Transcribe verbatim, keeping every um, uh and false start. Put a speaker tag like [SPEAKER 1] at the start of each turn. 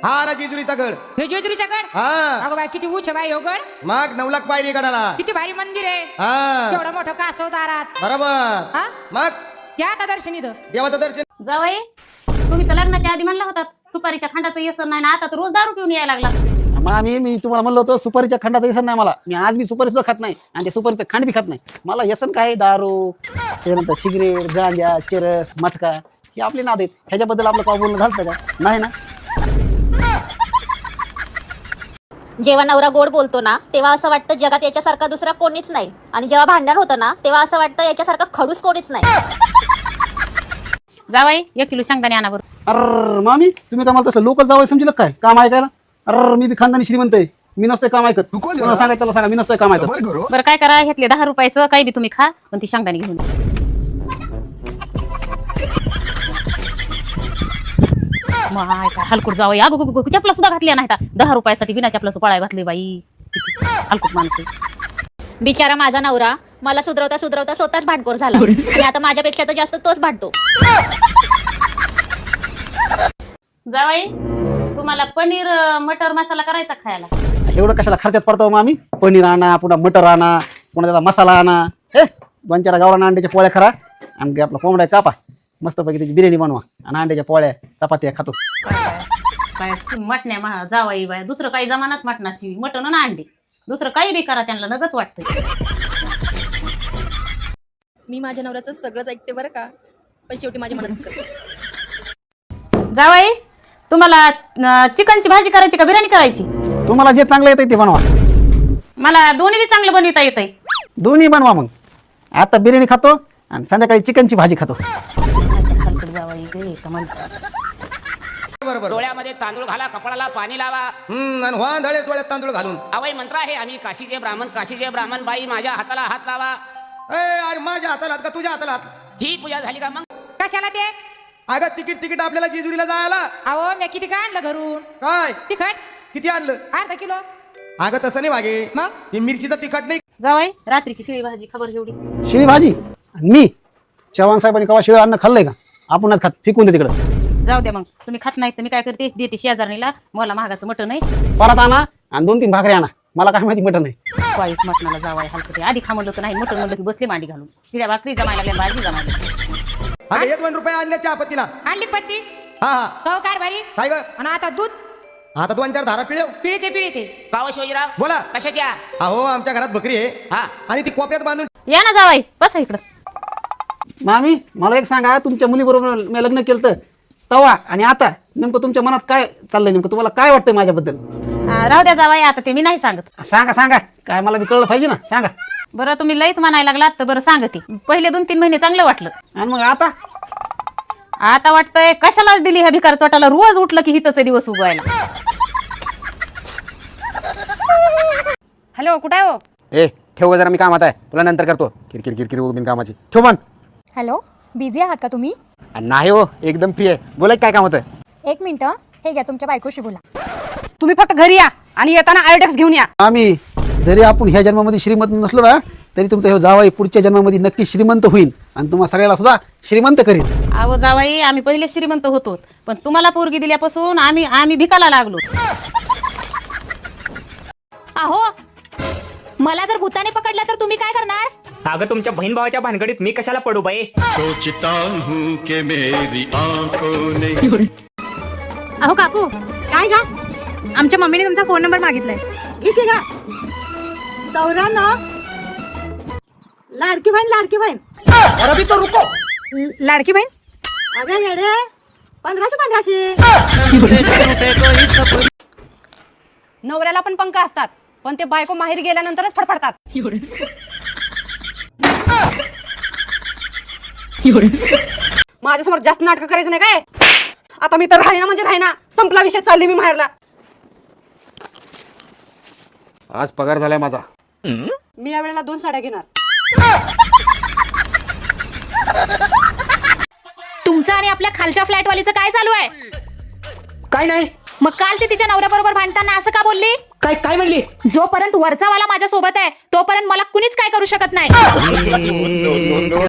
[SPEAKER 1] हा ना जेजुरीचा गड.
[SPEAKER 2] हे जेजुरीचा गड.
[SPEAKER 1] हा
[SPEAKER 2] अगं बाई किती उंच बाई हो गड.
[SPEAKER 1] मग नऊ लाख पायरी गडाला.
[SPEAKER 2] किती भारी मंदिर आहे.
[SPEAKER 1] हा
[SPEAKER 2] केवढं मोठं कासव दारात.
[SPEAKER 1] बरोबर.
[SPEAKER 2] हा
[SPEAKER 1] मग
[SPEAKER 2] घ्या आता दर्शन इथं.
[SPEAKER 1] देवाचं दर्शन.
[SPEAKER 3] जावई तुम्ही तर लग्नाच्या आधी म्हणला होता सुपारीच्या खंडाचं व्यसन नाही ना, आता तर रोज दारू पिऊन यायला लागला.
[SPEAKER 4] मग आम्ही मी तुम्हाला म्हणलं होतं सुपारीच्या खंडाचं व्यसन नाही मला. मी आज मी सुपारी सुद्धा खात नाही आणि ते सुपारीचं खंड बी खात नाही. मला व्यसन काय दारू त्यानंतर सिगरेट गांजा चरस मटका हे आपले नाद आहेत. ह्याच्याबद्दल आपलं काय बोलणं झालं का नाही ना.
[SPEAKER 5] जेव्हा नवरा गोड बोलतो ना तेव्हा असं वाटतं जगात याच्यासारखा दुसरा कोणीच नाही, आणि जेव्हा भांडण होतं ना तेव्हा असं वाटतं याच्यासारखा खडूस कोणीच नाही.
[SPEAKER 3] जावई एक किलो शेंगदाणे आणा बरं.
[SPEAKER 4] अर मामी तुम्ही काय मला तसं लोकल जावं समजलं काय काम ऐकायला. अर मी बी खानदानी श्रीमंत आहे. मी नसतोय काम ऐकत. कोणाला सांगायचं त्याला सांगा मी नसतोय काम ऐकत.
[SPEAKER 3] बरं काय करा घेतले दहा रुपयाचं काही बी तुम्ही खा पण ती शेंगदाणे घेऊन या. माय काय हलकूट जावई अगो चपला सुद्धा घातल्या नाही दहा रुपयासाठी बिना चपलाचं पळाय घातली बाई. किती हलकूट माणूस आहे.
[SPEAKER 5] बिचारा माझा नवरा मला सुधरवता सुधरवता स्वतःच भांडखोर झाला, आणि आता माझ्यापेक्षा तर जास्त तोच भांडतो.
[SPEAKER 3] जावई तुम्हाला पनीर मटर मसाला करायचा खायला.
[SPEAKER 4] एवढं कशाला खर्चात पडतो मामी. पनीर आणा पुन्हा मटर आणा पुन्हा त्याचा मसाला आणा. हे दोन चार गावरान अंड्याच्या पोळ्या खरा आणि आपला कोंबड्या कापा मस्तपैकी त्याची बिर्याणी बनवा आणि अंड्याच्या पोळ्या चपात्या खातो.
[SPEAKER 3] काय मटण्या मा जावई बाय दुसरं काही जमानाच मटणाशी मटण ना अंडी दुसरं काही बी करा त्यांना नगच वाटतंय.
[SPEAKER 6] मी माझ्या नवऱ्याचं सगळंच ऐकते बरं का, पण शेवटी माझी मदत करते.
[SPEAKER 3] जावई तुम्हाला चिकनची भाजी करायची का बिर्याणी करायची.
[SPEAKER 4] तुम्हाला जे चांगलं येतंय ते बनवा.
[SPEAKER 3] मला दोन्ही बी चांगलं बनविता येतंय.
[SPEAKER 4] दोन्ही बनवा. मग आता बिर्याणी खातो आणि संध्याकाळी चिकनची भाजी खातो.
[SPEAKER 3] जावई गे कमाल.
[SPEAKER 1] बरोबर.
[SPEAKER 7] डोळ्यामध्ये तांदूळ घाला, कपाळाला पाणी लावा.
[SPEAKER 1] हम्म आणि वाहन धळे डोळ्यात तांदूळ घालून.
[SPEAKER 7] अवय मंत्र आहे आम्ही काशीचे ब्राह्मण काशीचे ब्राह्मण बाई माझ्या हाताला हात लावा.
[SPEAKER 1] ए अरे माझ्या हाताला हात का तुझ्या हाताला हात.
[SPEAKER 7] ही पूजा झाली का मग.
[SPEAKER 2] कशाला ते.
[SPEAKER 1] अगं तिकीट तिकीट आपल्याला जेजुरीला जायला.
[SPEAKER 2] अहो मी किती काय आणलं घरून.
[SPEAKER 1] काय
[SPEAKER 2] तिखट
[SPEAKER 1] किती आणलं.
[SPEAKER 2] अर्धा किलो.
[SPEAKER 1] अगं तसं नाही वागे.
[SPEAKER 2] मग
[SPEAKER 1] ही मिरचीचं तिखट नाही.
[SPEAKER 3] जावई रात्रीची शिळी भाजी खबर जेवढी.
[SPEAKER 4] शिळी भाजी आणि मी चव्हाण साहेबांनी कवा शिळं अन्न खाल्लंय का. आपणच खात फेकून दे तिकडं.
[SPEAKER 3] जाऊ द्या मग तुम्ही खात नाही तर मी काय करते देते शेजारणीला मला महागाचं मटण आहे
[SPEAKER 4] परत आणा आणि दोन तीन भाकरी आणा. मला काय माहिती मटण नाही.
[SPEAKER 3] वाईस मटणाला जावाय हलकते आधी खा म्हणलं तर नाही मटण म्हणलं की बसली मांडी घालून चिड्या भाकरी जमायला लागल्या भाजी जमायला.
[SPEAKER 1] अगं एक दोन रुपये आणले चहा पत्तीला.
[SPEAKER 2] आणली पत्ती.
[SPEAKER 1] हा हा
[SPEAKER 2] हो काय भारी.
[SPEAKER 1] काय ग.
[SPEAKER 2] आणि आता दूध
[SPEAKER 1] आता दोन चार धारा पिळव.
[SPEAKER 2] पिळते पिळते.
[SPEAKER 7] गाव शिवजीराव
[SPEAKER 1] बोला.
[SPEAKER 7] कशाच्या.
[SPEAKER 1] अहो आमच्या घरात बकरी आहे.
[SPEAKER 7] हा
[SPEAKER 1] आणि ती कोपऱ्यात बांधून.
[SPEAKER 3] या ना जावाई बसा इकडं.
[SPEAKER 4] मामी मला एक सांगा तुमच्या मुलीबरोबर मी लग्न केलं तर तवा आणि आता नेमकं तुमच्या मनात काय चाललंय. नेमकं तुम्हाला काय वाटतंय माझ्याबद्दल.
[SPEAKER 3] आ, राहू द्या जावाई आता ते मी नाही सांगत.
[SPEAKER 4] सांगा सांगा काय मला बी कळलं पाहिजे ना. सांगा.
[SPEAKER 3] बरं तुम्ही लईच म्हणायला लागलात तर बरं सांगते. पहिले दोन तीन महिने चांगलं वाटलं
[SPEAKER 4] आणि मग आता
[SPEAKER 3] आता वाटतंय कशाला दिली ह्या भिकार चोटाला रोज उठलं की हितच दिवस उगवायला.
[SPEAKER 2] हॅलो कुठे आहे हो.
[SPEAKER 8] ए ठेव जरा मी कामात आहे तुला नंतर करतो. किरकिर किरकिर बिन कामाची ठेव मन.
[SPEAKER 6] हॅलो बिझी आहात का तुम्ही.
[SPEAKER 8] नाही हो एकदम फ्री आहे. बोला काय काम होतं.
[SPEAKER 6] एक मिनिट हे घ्या तुमच्या बायकोशी बोला.
[SPEAKER 2] तुम्ही फक्त घरी या आणि येताना आयोडेक्स घेऊन या.
[SPEAKER 4] आम्ही जरी आपण ह्या जन्मामध्ये श्रीमंत नसलो ना तरी तुमचा हे जावाई पुढच्या जन्मामध्ये नक्की श्रीमंत होईल आणि तुम्हाला सगळ्याला सुद्धा श्रीमंत करील.
[SPEAKER 3] अहो जावाई आम्ही पहिले श्रीमंत होतो पण तुम्हाला पोरगी दिल्यापासून आम्ही आम्ही भिकाला लागलो.
[SPEAKER 6] अहो मला जर भूताने पकडलं तर तुम्ही काय करणार.
[SPEAKER 9] अगं तुमच्या बहीण भावाच्या भानगडीत मी कशाला पडू बाई.
[SPEAKER 10] सोचता हूं कि मेरी आंखों ने.
[SPEAKER 2] अहो काकू काय गा. आमच्या मम्मीने तुमचा फोन नंबर मागितलाय. इथे का चौऱ्याण्णव. लाडकी बहीण लाडकी बहीण.
[SPEAKER 1] अरे तो रुको.
[SPEAKER 2] लाडकी बहीण.
[SPEAKER 6] अगं येडे पंधराशे पंधराशे.
[SPEAKER 2] नवऱ्याला पण पंख असतात पण ते बायको माहेर गेल्यानंतरच फडफडतात. माझ्यासमोर जास्त नाटक करायचं नाही काय. आता मी तर राहिना म्हणजे राहिना संपला विषय. चालली मी माहेरला.
[SPEAKER 8] आज पगार झालाय माझा.
[SPEAKER 2] मी या वेळेला दोन साड्या घेणार.
[SPEAKER 6] तुमचं आणि आपल्या खालच्या फ्लॅटवालीचं काय चालू आहे.
[SPEAKER 9] काय नाही.
[SPEAKER 6] मग काल ती तिच्या नवऱ्याबरोबर भांडताना असं का बोलली.
[SPEAKER 9] काय काय म्हणली.
[SPEAKER 6] जोपर्यंत वरचा वाला माझ्या सोबत आहे तोपर्यंत मला कुणीच काय करू शकत नाही.